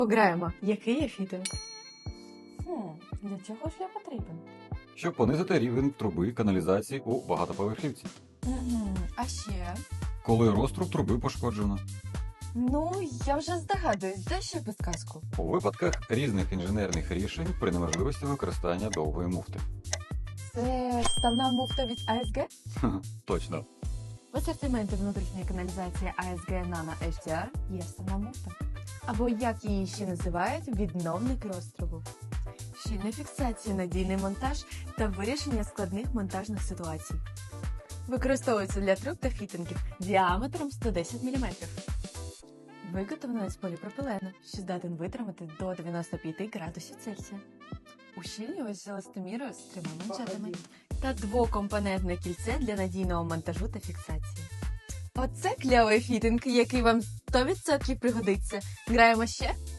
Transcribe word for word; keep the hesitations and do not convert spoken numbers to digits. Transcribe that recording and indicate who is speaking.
Speaker 1: Пограємо. Який є фітинг?
Speaker 2: Хм, для чого ж я потрібен?
Speaker 3: Щоб понизити рівень труби каналізації у багатоповерхівці.
Speaker 2: Угу. А ще?
Speaker 3: Коли розтруб труби пошкоджено.
Speaker 2: Ну, я вже здогадуюсь, де ще підказку?
Speaker 3: У випадках різних інженерних рішень при неможливості використання довгої муфти.
Speaker 2: Це ставна муфта від А С Г?
Speaker 3: Ха-ха, точно.
Speaker 2: В асортименті внутрішньої каналізації А С Г Nano Ейч Ді Ар є ставна муфта. Або, як її ще називають, відновник розтрубу. Щільна фіксація, надійний монтаж та вирішення складних монтажних ситуацій. Використовується для труб та фітингів діаметром сто десять міліметрів. Виготовлено з поліпропилену, що здатен витримати до дев'яносто п'ять градусів Цельсія. Ущільнювач з еластомірою з трьома манжетами та двокомпонентне кільце для надійного монтажу та фіксації. Оце кльовий фітинг, який вам сто відсотків пригодиться. Граємо ще?